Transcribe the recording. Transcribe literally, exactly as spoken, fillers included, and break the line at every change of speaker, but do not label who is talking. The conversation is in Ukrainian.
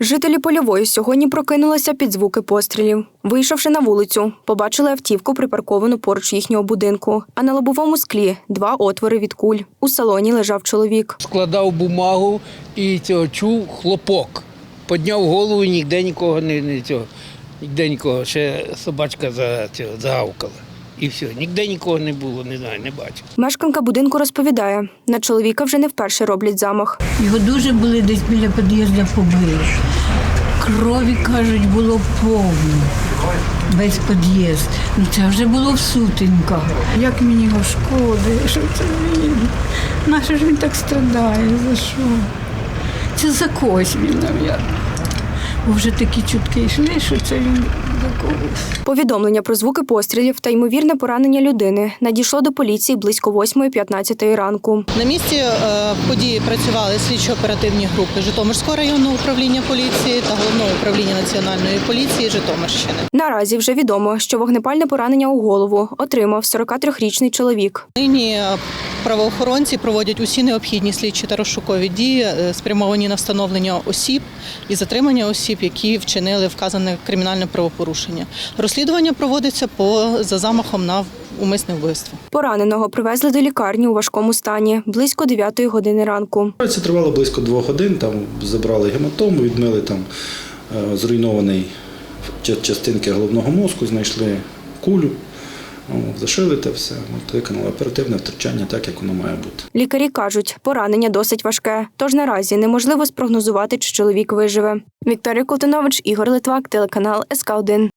Жителі Польової сьогодні прокинулися під звуки пострілів. Вийшовши на вулицю, побачили автівку, припарковану поруч їхнього будинку, а на лобовому склі – два отвори від куль. У салоні лежав чоловік.
Складав бумагу і цього чув хлопок. Підняв голову і ніде нікого не, не цього, ніде нікого. Ще собачка за цього загавкала. І все, ніде нікого не було, не знаю, не бачив.
Мешканка будинку розповідає, на чоловіка вже не вперше роблять замах.
Його дуже були десь біля під'їзду побили. Крові, кажуть, було повно. Весь під'їзд. Ну це вже було в сутінках. Як мені його шкода, що це він? Нащо ж він так страдає, за що? Це за когось він, мабуть. Бо вже такі чутки йшли, що це він за когось.
Повідомлення про звуки пострілів та ймовірне поранення людини надійшло до поліції близько восьмої п'ятнадцятої ранку.
На місці е, події працювали слідчо-оперативні групи Житомирського районного управління поліції та Головного управління Національної поліції Житомирщини.
Наразі вже відомо, що вогнепальне поранення у голову отримав сорокатрирічний чоловік.
Нині правоохоронці проводять усі необхідні слідчі та розшукові дії, е, спрямовані на встановлення осіб і затримання осіб, які вчинили вказане кримінальне правопорушення. Розслідування проводиться по за замахом на умисне вбивство.
Пораненого привезли до лікарні у важкому стані близько дев'ятої години ранку.
Це тривало близько двох годин, там забрали гематому, відмили там е, зруйнований частинки головного мозку, знайшли кулю, о, зашили те все, от, виконали оперативне втручання так, як воно має бути.
Лікарі кажуть, поранення досить важке, тож наразі неможливо спрогнозувати, чи чоловік виживе. Вікторія Колтунович, Ігор Литвак, телеканал ес ка один.